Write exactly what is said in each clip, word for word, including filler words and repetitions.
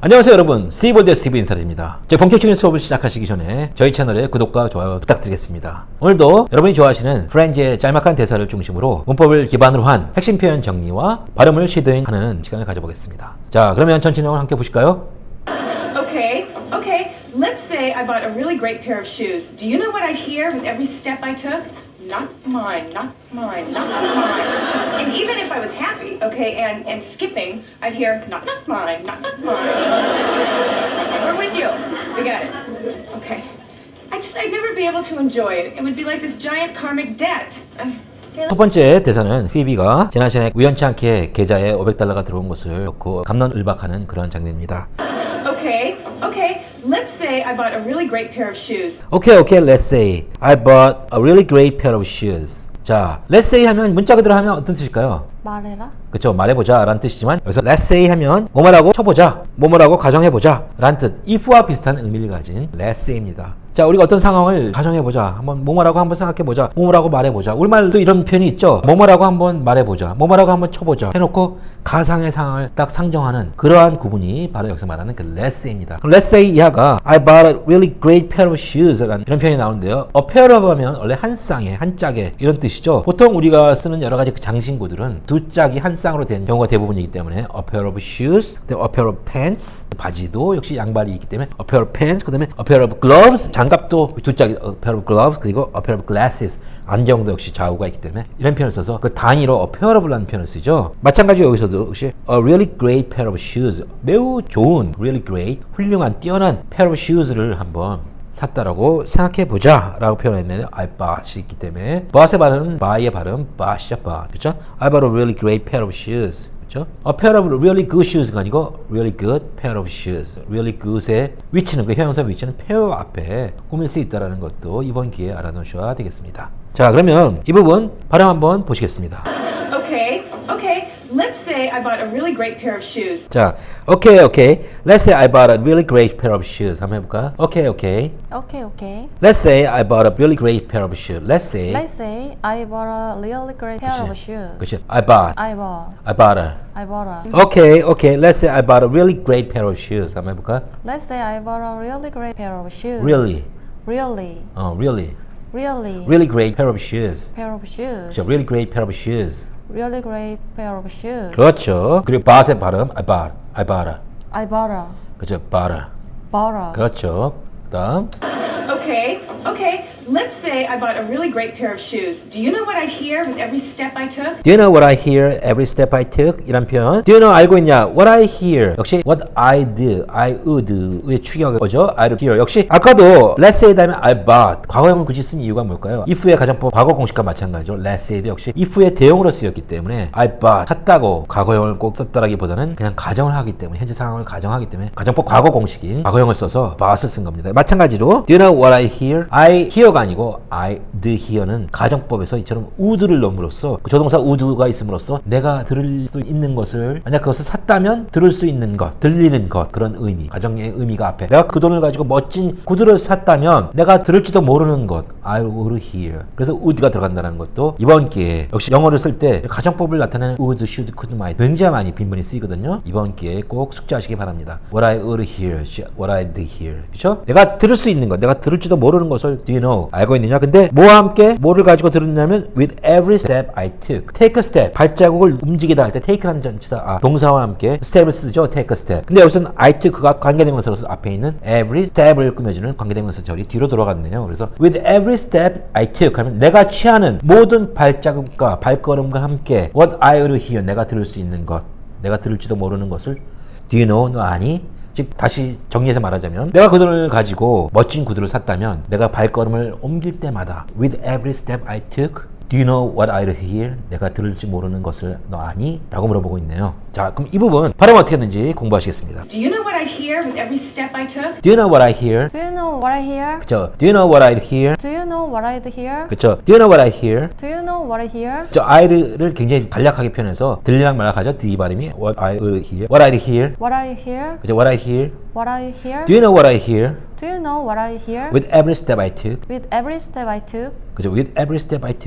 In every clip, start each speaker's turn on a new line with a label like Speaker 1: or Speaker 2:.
Speaker 1: 안녕하세요 여러분, 스티브월드의 스티브 인사드립니다. 저희 본격적인 수업을 시작하시기 전에 저희 채널에 구독과 좋아요 부탁드리겠습니다. 오늘도 여러분이 좋아하시는 프렌즈의 짤막한 대사를 중심으로 문법을 기반으로 한 핵심 표현 정리와 발음을 쉐도잉하는 시간을 가져보겠습니다. 자, 그러면 전체 내용을 함께 보실까요?
Speaker 2: Okay, okay. Let's say I bought a really great pair of shoes. Do you know what I hear with every step I took? Not mine, not mine, not mine. And even if I was happy, okay, and, and skipping, I'd hear, not, not mine, not, not mine. We're with you. We got it. Okay. I just, I'd never be able to enjoy it. It would be like this giant karmic debt. I,
Speaker 1: 첫 번째 대사는 피비가 지난 시간에 우연치 않게 계좌에 오백 달러가 들어온 것을 놓고 감론을박하는 그런 장면입니다.
Speaker 2: Okay, okay. Let's say I bought a really great pair of shoes.
Speaker 1: Okay, okay, let's say I bought a really great pair of shoes. 자, let's say 하면 문자 그대로 하면 어떤 뜻일까요?
Speaker 3: 말해라.
Speaker 1: 그쵸, 말해보자 라는 뜻이지만 여기서 let's say 하면 뭐뭐라고 쳐보자, 뭐뭐라고 가정해보자 라는 뜻, if와 비슷한 의미를 가진 let's say입니다. 자, 우리가 어떤 상황을 가정해보자, 한번 뭐뭐라고 한번 생각해보자, 뭐뭐라고 말해보자. 우리말도 이런 표현이 있죠. 뭐뭐라고 한번 말해보자, 뭐뭐라고 한번 쳐보자 해놓고 가상의 상황을 딱 상정하는 그러한 구분이 바로 여기서 말하는 그 let's say입니다. 그럼 let's say 이하가 I bought a really great pair of shoes 라는 이런 표현이 나오는데요. a pair of 하면 원래 한 쌍에, 한 짝에 이런 뜻이죠. 보통 우리가 쓰는 여러 가지 그 장신구들은 두 짝이 한 쌍으로 된 경우가 대부분이기 때문에 a pair of shoes, 그다음에 a pair of pants, 바지도 역시 양발이 있기 때문에 a pair of pants, 그다음에 a pair of gloves, 장갑도 두 짝이 a pair of gloves, 그리고 a pair of glasses, 안경도 역시 좌우가 있기 때문에 이런 표현을 써서 그 단위로 a pair of라는 표현을 쓰죠. 마찬가지로 여기서도 역시 a really great pair of shoes, 매우 좋은, really great, 훌륭한, 뛰어난 pair of shoes를 한번 샀다라고 생각해보자 라고 표현했는데 I bought이 있기 때문에 bought의 발음은 buy의 발음 bought이죠. bough. 그쵸? I bought a really great pair of shoes. 그쵸? A pair of really good shoes가 아니고 really good pair of shoes. really good의 위치는, 그 형용사 위치는 pair 앞에 꾸밀 수 있다는 것도 이번 기회에 알아놓으셔야 되겠습니다. 자, 그러면 이 부분 발음 한번 보시겠습니다.
Speaker 2: Okay, okay. Let's say I bought a really great pair of shoes.
Speaker 1: 자, okay, okay. Let's say I bought a really great pair of shoes. 한번 해볼까? Okay, okay.
Speaker 3: 오케이 오케이.
Speaker 1: Let's say I bought a really great pair of shoes. Let's say.
Speaker 3: Let's say I bought a really great pair of shoes.
Speaker 1: 그치. I bought.
Speaker 3: I bought.
Speaker 1: I bought a.
Speaker 3: I bought a.
Speaker 1: Okay, okay. Let's say I bought a really great pair of shoes. 한번 해볼까?
Speaker 3: Let's say I bought a really great pair of shoes.
Speaker 1: Really.
Speaker 3: Really.
Speaker 1: 어, really.
Speaker 3: Really.
Speaker 1: Really great pair of shoes.
Speaker 3: Pair of shoes.
Speaker 1: 그쵸. Really great pair of shoes.
Speaker 3: Really great pair of shoes.
Speaker 1: 그렇죠. 그리고 bought의 발음. I bought. I bought a.
Speaker 3: I bought a.
Speaker 1: 그쵸. bought a.
Speaker 3: Bought a.
Speaker 1: 그렇죠. 그다음.
Speaker 2: Okay, okay. Let's say I bought a really great pair of shoes. Do you know what I hear with every step I took?
Speaker 1: Do you know what I hear every step I took? 이란 표현. Do you know 알고 있냐? What I hear. 역시 what I did, I would의 추격이 오죠. I hear. 역시 아까도 let's say 다음에 I bought. 과거형을 굳이 쓴 이유가 뭘까요? if의 가정법 과거 공식과 마찬가지죠. let's say도 역시 if의 대용으로 쓰였기 때문에 I bought 샀다고 과거형을 꼭 썼다라기보다는 그냥 가정을 하기 때문에 현재 상황을 가정하기 때문에 가정법 과거 공식인 과거형을 써서 bought을 쓴 겁니다. 마찬가지로 Do you know what I hear? I hear가 아니고 I did hear는 가정법에서 이처럼 would를 넣음으로써 그 조동사 would가 있음으로써 내가 들을 수 있는 것을 만약 그것을 샀다면 들을 수 있는 것, 들리는 것 그런 의미, 가정의 의미가 앞에 내가 그 돈을 가지고 멋진 구두를 샀다면 내가 들을지도 모르는 것 I would hear. 그래서 would가 들어간다는 것도 이번 기회에 역시 영어를 쓸 때 가정법을 나타내는 would, should, could, might 굉장히 많이 빈번히 쓰이거든요. 이번 기회에 꼭 숙지하시기 바랍니다. What I would hear, what I did hear. 그렇죠? 내가 들을 수 있는 것, 내가 들을지도 모르는 것을 do you know? 알고 있느냐? 근데 뭐와 함께 뭐를 가지고 들었냐면 with every step I took. take a step. 발자국을 움직이다 할 때 take라는 전치사 아, 동사와 함께 step을 쓰죠. take a step. 근데 여기서는 I took가 관계대명사로서 앞에 있는 every step을 꾸며주는 관계대명사 절이 뒤로 돌아갔네요. 그래서 with every step I took 하면 내가 취하는 모든 발자국과 발걸음과 함께 what I will hear. 내가 들을 수 있는 것. 내가 들을지도 모르는 것을 do you know? 너 아니? 즉 다시 정리해서 말하자면 내가 그 돈을 가지고 멋진 구두를 샀다면 내가 발걸음을 옮길 때마다 with every step I took Do you know what I hear? 내가 들을지 모르는 것을 너 아니? 라고 물어보고 있네요. 자, 그럼 이 부분 발음 어떻게 했는지 공부하시겠습니다.
Speaker 2: Do you know what I hear with every step I took?
Speaker 1: Do you know what I hear?
Speaker 3: Do you know what I hear?
Speaker 1: 그쵸? Do you know what I hear?
Speaker 3: Do you know what I hear?
Speaker 1: 그쵸? Do you know what I hear?
Speaker 3: Do you know what I hear?
Speaker 1: 저 I를 굉장히 간략하게 표현해서 들리랑 말락하죠. D 발음이 what I hear. What I hear?
Speaker 3: What I hear?
Speaker 1: 그쵸? What I hear?
Speaker 3: What I hear?
Speaker 1: Do you know what I hear?
Speaker 3: Do you know what I hear?
Speaker 1: With every step I took.
Speaker 3: With every step I took.
Speaker 1: 그죠? With every step I took.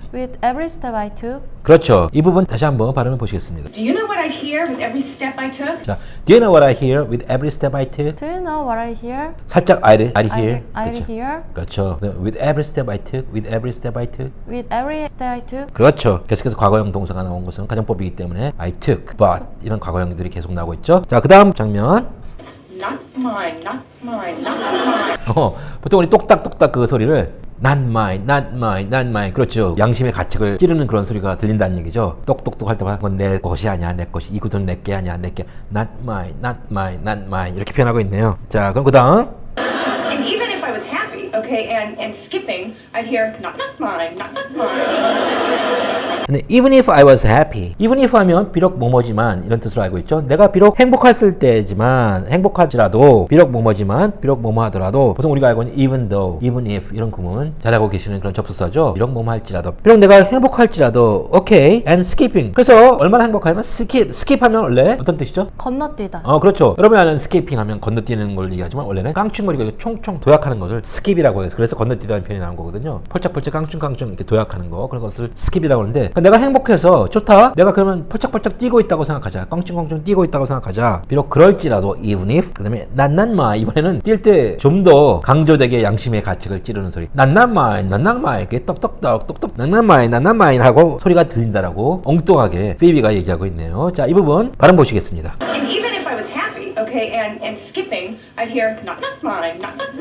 Speaker 3: With every step I took,
Speaker 1: 그렇죠. 이 부분 다시 한번 발음해 보시겠습니다.
Speaker 2: Do you know what I hear with every step I took?
Speaker 1: 자, do you know what I hear with every step I took?
Speaker 3: do you know what I hear?
Speaker 1: 살짝 I, I hear.
Speaker 3: I, I
Speaker 1: 그렇죠.
Speaker 3: hear.
Speaker 1: 그렇죠. 네, with every step I took, with every step I took.
Speaker 3: With every step I took,
Speaker 1: 그렇죠. 계속해서 과거형 동사가 나온 것은 가정법이기 때문에 I took, but 이런 과거형들이 계속 나오고 있죠. 자, 그 다음 장면.
Speaker 2: Not mine, not mine, not mine.
Speaker 1: 어, 보통 우리 똑딱똑딱 그 소리를 not mine, not mine, not mine. 그렇죠. 양심의 가책을 찌르는 그런 소리가 들린다는 얘기죠. 똑똑똑 할 때마다 그건 내 것이 아니야, 내 것이. 이 구두는 내게 아니야, 내게. not mine, not mine, not mine. 이렇게 표현하고 있네요. 자, 그럼 그 다음.
Speaker 2: And even if I was happy, okay, and, and skipping, I'd hear not not mine, not not mine.
Speaker 1: 근데 even if I was happy, even if 하면 비록 뭐뭐지만 이런 뜻으로 알고 있죠. 내가 비록 행복했을 때지만 행복할지라도 비록 뭐뭐지만 비록 뭐뭐 하더라도 보통 우리가 알고 있는 even though, even if 이런 구문 잘 알고 계시는 그런 접속사죠. 비록 뭐뭐 할지라도 비록 내가 행복할지라도 okay and skipping. 그래서 얼마나 행복하면 skip, skip 하면 원래 어떤 뜻이죠?
Speaker 3: 건너뛰다.
Speaker 1: 어 그렇죠. 여러분이 아는 skipping 하면 건너뛰는 걸 얘기하지만 원래는 깡충거리고 총총 도약하는 것을 skip이라고 해서 그래서 건너뛰다는 표현이 나온 거거든요. 펄짝펄짝 깡충깡충 이렇게 도약하는 거 그런 것을 skip이라고 하는데 내가 행복해서 좋다. 내가 그러면 펄짝펄짝 뛰고 있다고 생각하자. 깡충깡충 뛰고 있다고 생각하자. 비록 그럴지라도 even if 그다음에 난난마 이번에는 뛸 때 좀 더 강조되게 양심의 가책을 찌르는 소리. 난난마 난난마 이렇게 떡떡떡 똑똑 난난마 난난마 하고 소리가 들린다라고 엉뚱하게 피비가 얘기하고 있네요. 자, 이 부분 발음 보시겠습니다.
Speaker 2: And even if I was happy, okay, and, and skipping, I'd hear not not mine, not not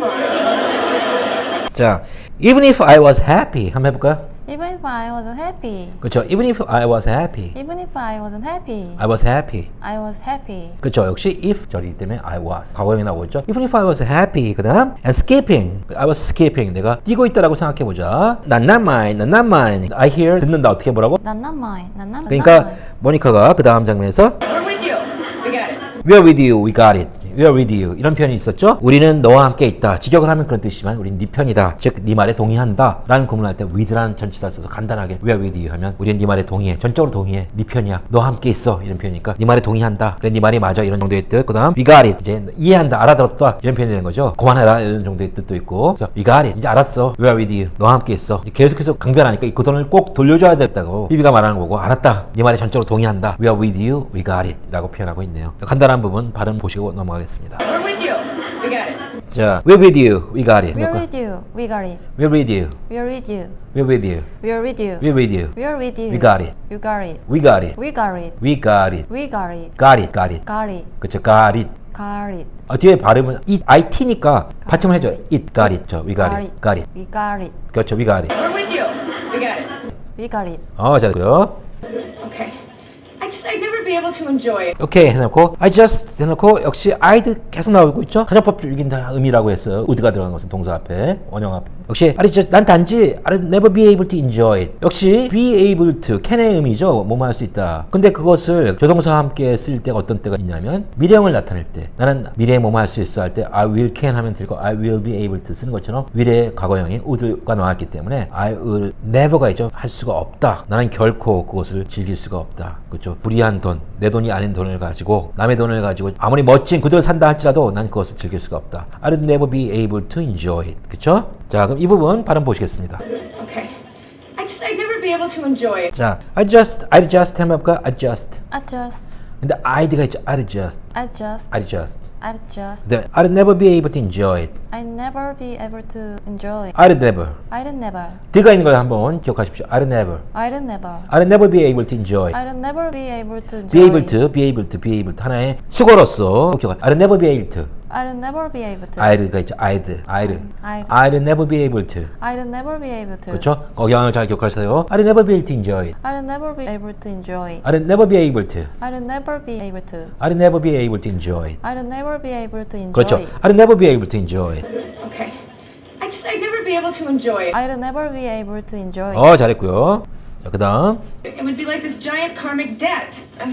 Speaker 2: mine.
Speaker 1: 자, even if I was happy 한번 해볼까요?
Speaker 3: Even if I wasn't happy,
Speaker 1: 그렇죠. Even if I was happy,
Speaker 3: even if I wasn't happy,
Speaker 1: I was happy.
Speaker 3: I was happy.
Speaker 1: 그렇죠. 역시 if 절이기 때문에 I was 과거형이 나오고 있죠. Even if I was happy, 그다음 and skipping, I was skipping. 내가 뛰고 있다라고 생각해 보자. 난 not mine, 난 not mine. I hear 듣는다 어떻게 뭐라고?
Speaker 3: Not not mine, not not
Speaker 1: 그러니까
Speaker 3: mine.
Speaker 1: 모니카가 그 다음 장면에서
Speaker 2: We're with you. We got it.
Speaker 1: We're with you, we got it. We're with you. 이런 표현이 있었죠. 우리는 너와 함께 있다. 직역을 하면 그런 뜻이지만 우리는 네 편이다. 즉 네 말에 동의한다. 라는 구문을 할 때 with라는 전치사 써서 간단하게 We're with you 하면 우리는 네 말에 동의해. 전적으로 동의해. 네 편이야. 너와 함께 있어. 이런 표현이니까 네 말에 동의한다. 그래 네 말이 맞아. 이런 정도의 뜻. 그 다음 we got it. 이제 이해한다. 알아들었다. 이런 표현이 되는 거죠. 그만해라. 이런 정도의 뜻도 있고. 그래서 we got it. 이제 알았어. We're with you. 너와 함께 있어. 계속해서 강변하니까 이 돈을 꼭 돌려줘야 됐다고 비비가 말하는 거고 알았다. 네 말에 전적으로 동의한다. We are with you. We got it. 라고 표현하고 있네요. 간단한 부분 발음 보시고 넘어가겠습니다.
Speaker 2: We're with you. We got it.
Speaker 1: 자, we're with you. We got it.
Speaker 3: We're with you. We got it.
Speaker 1: We're with you.
Speaker 3: We're with you.
Speaker 1: We're with you.
Speaker 3: We're with you.
Speaker 1: We're with you.
Speaker 3: We're with you.
Speaker 1: We got it.
Speaker 3: You got it.
Speaker 1: We got it.
Speaker 3: We got it.
Speaker 1: We got it.
Speaker 3: We got it.
Speaker 1: Got it. Got it.
Speaker 3: Got it.
Speaker 1: 그쵸. Got it.
Speaker 3: Got it.
Speaker 1: 아, 뒤에 발음은 it, it니까 받침을 해줘. It got it. 저, we got it. Got it.
Speaker 3: We got it.
Speaker 1: 그렇죠. We got it.
Speaker 2: We're with you. We got it.
Speaker 3: We got it.
Speaker 1: 어, 잘했고요.
Speaker 2: Okay. I just, I'd never be able to enjoy it.
Speaker 1: 오케이 해놓고 I just 해놓고 역시 I'd 계속 나오고 있죠. 가정법적인 다 의미라고 했어요. would가 들어간 것은 동사 앞에 원형 앞에 역시 I just 난 단지 I'll never be able to enjoy it. 역시 be able to can의 의미죠. 뭐뭐 할 수 있다. 근데 그것을 조동사와 함께 쓸 때가 어떤 때가 있냐면 미래형을 나타낼 때 나는 미래에 뭐뭐 할 수 있어 할 때 I will can 하면 들고 I will be able to 쓰는 것처럼 미래의 과거형이 would가 나왔기 때문에 I will never가 있죠. 할 수가 없다. 나는 결코 그것을 즐길 수가 없다. 그렇죠. 불이한 돈, 내 돈이 아닌 돈을 가지고 남의 돈을 가지고 아무리 멋진 구두를 산다 할지라도 난 그것을 즐길 수가 없다. I'll never be able to enjoy it. 그렇죠? 자, 그럼 이 부분 발음 보시겠습니다.
Speaker 2: Okay. I just, I'd never be able to enjoy it.
Speaker 1: 자, I just, I just 한번 해볼까? I just.
Speaker 3: Adjust.
Speaker 1: 근데 I'd가 있죠. I just,
Speaker 3: Adjust.
Speaker 1: I just.
Speaker 3: Adjust.
Speaker 1: 네, I'll never be able to enjoy it.
Speaker 3: I never be able to enjoy it.
Speaker 1: I'll never.
Speaker 3: I'd never.
Speaker 1: 드가 있는 걸 한번 기억하십시오. I'll never.
Speaker 3: I'd never.
Speaker 1: I'll never be able to enjoy it.
Speaker 3: I'd never be able to enjoy
Speaker 1: Be able
Speaker 3: it.
Speaker 1: to, be able to, be able to 하나의 수거로서 기억. I'll never be able to.
Speaker 3: I'd never be able to.
Speaker 1: I'd가 있죠. I'd, I'd.
Speaker 3: I'd.
Speaker 1: I'll never be able to.
Speaker 3: I'd never be able to.
Speaker 1: 그렇죠? 거기항을 잘 기억하세요. I'll never be able to enjoy it.
Speaker 3: I'd never be able to enjoy it.
Speaker 1: I'll never be able to.
Speaker 3: I'd never be able to.
Speaker 1: I'll never be able to enjoy it.
Speaker 3: I'd never be able to enjoy
Speaker 1: 그렇죠?
Speaker 3: it.
Speaker 1: I'll never be able to enjoy it.
Speaker 2: Okay. I just, I'd never be able to enjoy it.
Speaker 3: I'd never be able to enjoy it.
Speaker 1: 어, 잘했고요. 자, 그 다음.
Speaker 2: It would be like this giant karmic debt. Uh,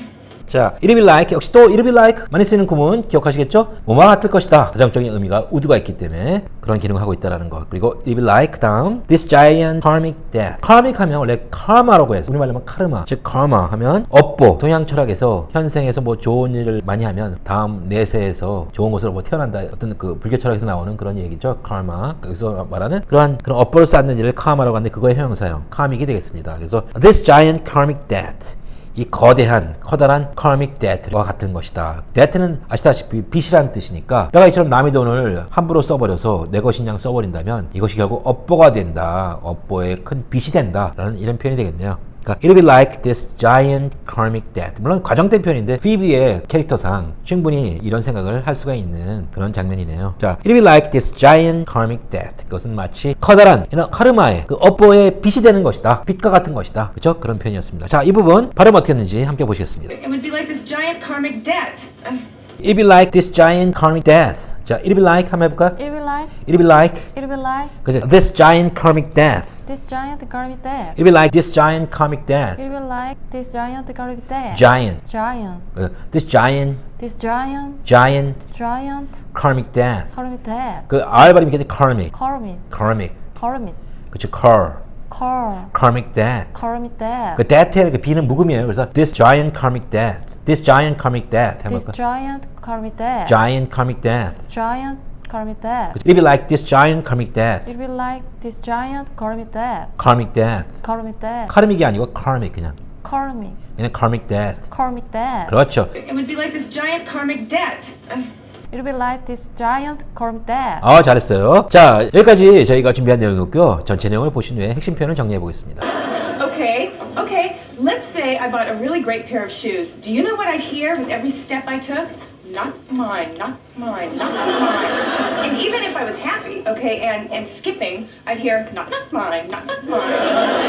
Speaker 1: 자, it'll be like 역시 또 it'll be like 많이 쓰는 구문 기억하시겠죠? 뭐만 같을 것이다. 가정적인 의미가 would가 있기 때문에 그런 기능을 하고 있다라는 것. 그리고 it'll be like 다음 this giant karmic death. karmic 하면 원래 karma라고 해서 우리말로 하면 카르마. 즉 karma 하면 업보. 동양 철학에서 현생에서 뭐 좋은 일을 많이 하면 다음 내세에서 좋은 곳으로 뭐 태어난다. 어떤 그 불교 철학에서 나오는 그런 얘기죠. karma. 여기서 말하는 그러한 그런 업보를 쌓는 일을 karma라고 하는데 그거의 형용사형 karmic이 되겠습니다. 그래서 this giant karmic debt. 이 거대한 커다란 karmic debt와 같은 것이다. debt는 아시다시피 빚이라는 뜻이니까 내가 이처럼 남의 돈을 함부로 써버려서 내 것인 양 써버린다면 이것이 결국 업보가 된다. 업보의 큰 빚이 된다. 라는 이런 표현이 되겠네요. 그러니까 it'll be like this giant karmic debt. 물론 과정된 표현인데 피비의 캐릭터상 충분히 이런 생각을 할 수가 있는 그런 장면이네요. 자, it'll be like this giant karmic debt. 그것은 마치 커다란 이런 카르마의 그 업보의 빚이 되는 것이다. 빚과 같은 것이다. 그렇죠? 그런 표현이었습니다. 자, 이 부분 발음 어떻게 했는지 함께 보시겠습니다.
Speaker 2: It would be like this giant karmic debt. Uh,
Speaker 1: It'll be like this giant karmic death. 자, it'll be like 한번 해볼까?
Speaker 3: It'll be like,
Speaker 1: It'll be like
Speaker 3: it'll be like
Speaker 1: 그죠? This giant karmic death.
Speaker 3: this giant karmic death.
Speaker 1: It'll be like this giant karmic death.
Speaker 3: It'll be like this giant karmic death.
Speaker 1: Giant.
Speaker 3: Giant.
Speaker 1: 그죠? This giant,
Speaker 3: This giant,
Speaker 1: giant
Speaker 3: giant
Speaker 1: karmic death.
Speaker 3: karmic death.
Speaker 1: 그 R 발음이 이렇게 karmic,
Speaker 3: Karmic,
Speaker 1: karmic.
Speaker 3: karmic,
Speaker 1: 그렇죠? car,
Speaker 3: car,
Speaker 1: karmic death.
Speaker 3: karmic death.
Speaker 1: 그 death의 그 B는 묵음이에요. 그래서 this giant karmic death. This giant karmic death.
Speaker 3: This
Speaker 1: 해볼까?
Speaker 3: giant karmic death.
Speaker 1: Giant karmic death.
Speaker 3: Giant karmic death.
Speaker 1: It'll be like this giant karmic death.
Speaker 3: It'll be like this giant karmic death.
Speaker 1: karmic death.
Speaker 3: Karmic death.
Speaker 1: 카르믹이 아니고 karmic 그냥.
Speaker 3: Karmic,
Speaker 1: 그냥 karmic death.
Speaker 3: karmic death.
Speaker 1: 그렇죠.
Speaker 2: it would be like this giant karmic debt. Uh,
Speaker 3: It'll be like this giant karmic death.
Speaker 1: 아, 잘했어요. 자, 여기까지 저희가 준비한 내용이었고요. 전체 내용을 보신 후에 핵심 표현을 정리해 보겠습니다.
Speaker 2: Okay, okay. Let's say I bought a really great pair of shoes. Do you know what I hear with every step I took? Not mine, not mine, not mine. And even if I was happy, okay, and, and skipping, I'd hear, not, not mine, not, not mine.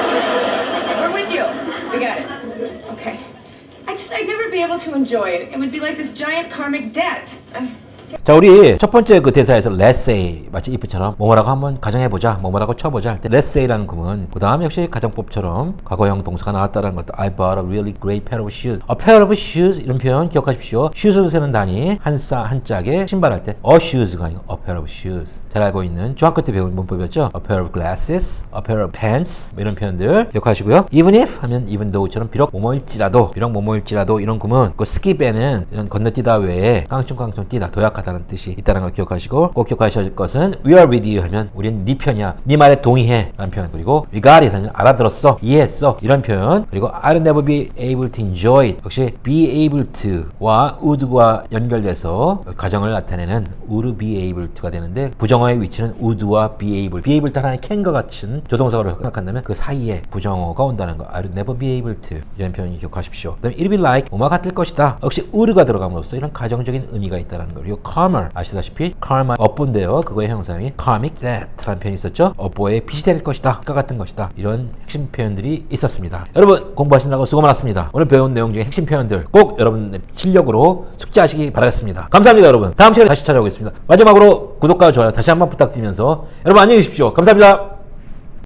Speaker 2: We're with you. We got it. Okay. I just, I'd never be able to enjoy it. It would be like this giant karmic debt. Uh,
Speaker 1: 자, 우리 첫 번째 그 대사에서 let's say 마치 if처럼 뭐뭐라고 한번 가정해보자, 뭐뭐라고 쳐보자 할 때 let's say라는 구문, 그 다음 역시 가정법처럼 과거형 동사가 나왔다는 것도 I bought a really great pair of shoes. A pair of shoes 이런 표현 기억하십시오. shoes로 세는 단위 한 싸, 한 짝에 신발할 때 a shoes가 아니고 a pair of shoes. 잘 알고 있는 중학교 때 배운 문법이었죠. A pair of glasses, a pair of pants 뭐 이런 표현들 기억하시고요. Even if 하면 even though처럼 비록 뭐뭐일지라도, 비록 뭐뭐일지라도 이런 구문, 그 skip에는 이런 건너뛰다 외에 깡충깡충 뛰다, 도약 하다는 뜻이 있다는 걸 기억하시고 꼭 기억하셔야 할 것은 we are with you 하면 우린 네 편이야, 네 말에 동의해 라는 표현, 그리고 we got it 하면 알아들었어, 이해했어 이런 표현, 그리고 I'll never be able to enjoy it 역시 be able to와 would과 연결돼서 가정을 나타내는 would be able to가 되는데 부정어의 위치는 would와 be able, be able to 하나의 can과 같은 조동사로 생각한다면 그 사이에 부정어가 온다는 거 I'll never be able to 이런 표현이 기억하십시오. 그다음에 it'll be like 뭐뭐 같을 것이다 역시 would가 들어감으로써 이런 가정적인 의미가 있다는 거. 그리고 karma 아시다시피 karma 업보인데요. 그거의 형상이 karmic debt라는 표현이 있었죠. 업보의 빚이 될 것이다, 과 같은 것이다. 이런 핵심 표현들이 있었습니다. 여러분 공부하시느라고 수고 많았습니다. 오늘 배운 내용 중에 핵심 표현들 꼭 여러분 실력으로 숙지하시기 바라겠습니다. 감사합니다. 여러분 다음 시간에 다시 찾아오겠습니다. 마지막으로 구독과 좋아요 다시 한번 부탁드리면서 여러분 안녕히 계십시오. 감사합니다.